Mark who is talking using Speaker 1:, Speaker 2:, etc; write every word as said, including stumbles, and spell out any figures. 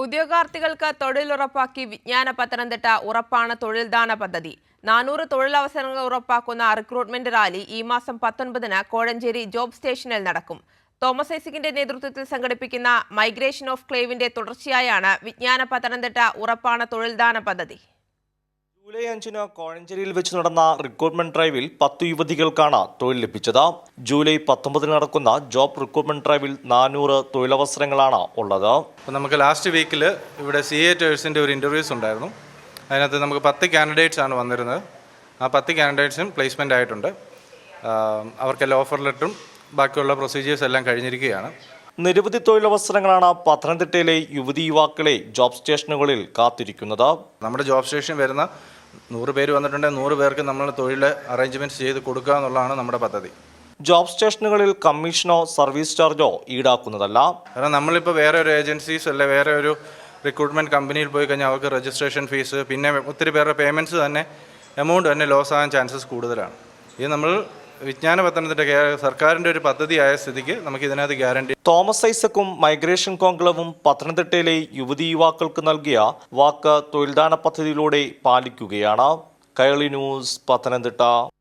Speaker 1: ഉദ്യോഗാർത്ഥികൾക്ക് തൊഴിലുറപ്പാക്കി വിജ്ഞാന പത്തനംതിട്ട ഉറപ്പാണ് തൊഴിൽദാന പദ്ധതി. നാനൂറ് തൊഴിലവസരങ്ങൾ ഉറപ്പാക്കുന്ന റിക്രൂട്ട്മെന്റ് റാലി ഈ മാസം പത്തൊൻപതിന് കോഴഞ്ചേരി ജോബ് സ്റ്റേഷനിൽ നടക്കും. തോമസ് ഐസക്കിന്റെ നേതൃത്വത്തിൽ സംഘടിപ്പിക്കുന്ന മൈഗ്രേഷൻ ഓഫ് ക്ലേവിന്റെ തുടർച്ചയായാണ് വിജ്ഞാന പത്തനംതിട്ട ഉറപ്പാണ് തൊഴിൽദാന പദ്ധതി.
Speaker 2: ജൂലൈ അഞ്ചിന് കോഴഞ്ചേരിയിൽ വെച്ച് നടന്ന റിക്രൂട്ട്മെന്റ് ഡ്രൈവിൽ പത്തു യുവതികൾക്കാണ് തൊഴിൽ ലഭിച്ചത്. ജൂലൈ പത്തൊമ്പതിന് നടക്കുന്ന ജോബ് റിക്രൂട്ട്മെന്റ് ഡ്രൈവിൽ നാനൂറ് തൊഴിലവസരങ്ങളാണ് ഉള്ളത്.
Speaker 3: നമുക്ക് ലാസ്റ്റ് വീക്കിൽ ഇവിടെ സി എ ടേഴ്സിൻ്റെ ഒരു ഇൻ്റർവ്യൂസ് ഉണ്ടായിരുന്നു. അതിനകത്ത് നമുക്ക് പത്ത് കാൻഡിഡേറ്റ്സ് ആണ് വന്നിരുന്നത്. ആ പത്ത് കാൻഡിഡേറ്റ്സും പ്ലേസ്മെൻ്റ് ആയിട്ടുണ്ട്. അവർക്കെല്ലാം ഓഫർ ലെറ്ററും ബാക്കിയുള്ള പ്രൊസീജിയേഴ്സ് എല്ലാം കഴിഞ്ഞിരിക്കുകയാണ്.
Speaker 2: നിരവധി തൊഴിലവസരങ്ങളാണ് പത്തനംതിട്ടയിലെ യുവതി യുവാക്കളെ ജോബ് സ്റ്റേഷനുകളിൽ കാത്തിരിക്കുന്നത്.
Speaker 3: നമ്മുടെ ജോബ് സ്റ്റേഷൻ വരുന്ന നൂറ് പേര് വന്നിട്ടുണ്ടെങ്കിൽ നൂറ് പേർക്ക് നമ്മൾ തൊഴിൽ അറേഞ്ച്മെൻറ്റ്സ് ചെയ്ത് കൊടുക്കുക എന്നുള്ളതാണ് നമ്മുടെ പദ്ധതി.
Speaker 2: ജോബ് സ്റ്റേഷനുകളിൽ കമ്മീഷനോ സർവീസ് ചാർജോ ഈടാക്കുന്നതല്ല.
Speaker 3: കാരണം നമ്മളിപ്പോൾ വേറെ ഒരു ഏജൻസീസ് അല്ലെ വേറെ ഒരു റിക്രൂട്ട്മെൻറ്റ് കമ്പനിയിൽ പോയി കഴിഞ്ഞാൽ അവർക്ക് രജിസ്ട്രേഷൻ ഫീസ്, പിന്നെ ഒത്തിരി പേരുടെ പേയ്മെൻറ്റ്സ് തന്നെ എമൗണ്ട് തന്നെ ലോസ് ആകാൻ ചാൻസസ് കൂടുതലാണ്. ഇത് നമ്മൾ വിജ്ഞാന പത്തനംതിട്ട സർക്കാരിൻ്റെ ഒരു പദ്ധതിയായ സ്ഥിതിക്ക് നമുക്ക് ഇതിനകത്ത് ഗ്യാരണ്ടി.
Speaker 2: തോമസ് ഐസക്കും മൈഗ്രേഷൻ കോൺക്ലേവും പത്തനംതിട്ടയിലെ യുവതി യുവാക്കൾക്ക് നൽകിയ വാക്ക് തൊഴിൽദാന പദ്ധതിയിലൂടെ പാലിക്കുകയാണ്. കൈരളി ന്യൂസ്, പത്തനംതിട്ട.